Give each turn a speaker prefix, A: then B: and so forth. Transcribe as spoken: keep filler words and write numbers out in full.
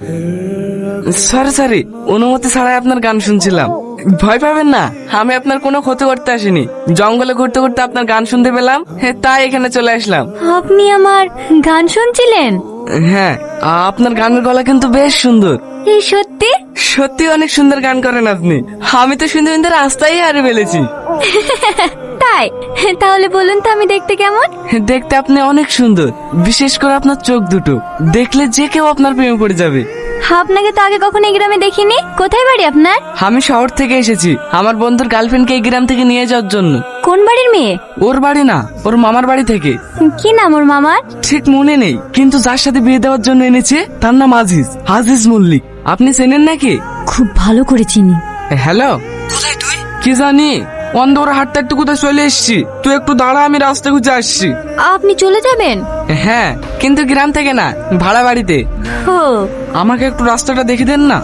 A: Sorry sorry, অনুমতি ছাড়াই আপনার গান শুনছিলাম। ভয় পাবেন না, আমি আপনার কোনো ক্ষতি করতে আসিনি। জঙ্গলে ঘুরতে ঘুরতে আপনার গান শুনতে পেলাম, হ্যাঁ, তাই এখানে চলে আসলাম।
B: আপনি আমার গান শুনছিলেন?
A: হ্যাঁ, আপনার গানের গলা কিন্তু বেশ সুন্দর।
B: এই সত্যি?
A: সত্যি অনেক সুন্দর গান করেন আপনি। আমি তো শুনতে শুনতে রাস্তায় হারিয়ে ফেলেছি।
B: তাই? তাহলে বলুন তো আমি দেখতে কেমন?
A: দেখতে আপনি অনেক সুন্দর, বিশেষ করে আপনার চোখ দুটো দেখলে যে কেউ আপনার প্রেমে পড়ে যাবে।
B: আপনাকে তো আগে কখনো এই গ্রামে দেখিনি। কোথায় বাড়ি আপনার?
A: আমি শহর থেকে এসেছি আমার বন্ধুর গার্লফ্রেন্ডকে এই গ্রাম থেকে নিয়ে যাওয়ার জন্য।
B: কোন বাড়ির মেয়ে?
A: ওর বাড়ি না, ওর মামার বাড়ি থেকে।
B: কি নাম ওর মামার?
A: ঠিক মনে নেই, কিন্তু যার সাথে বিয়ে দেওয়ার জন্য এনেছে তার নাম আজিজ, আজিজ মল্লিক। আপনি চেনেন নাকি?
B: খুব ভালো করে চিনি।
A: হ্যালো, কি জানি অন্ধর হাঁটতে একটু কোথায় চলে এসছি। তুই একটু দাঁড়া, আমি রাস্তা খুঁজে আসছি।
B: আপনি চলে যাবেন?
A: হ্যাঁ, কিন্তু গ্রাম থেকে না, ভাড়া বাড়িতে।
B: ও,
A: আমাকে একটু রাস্তাটা দেখে দেন না।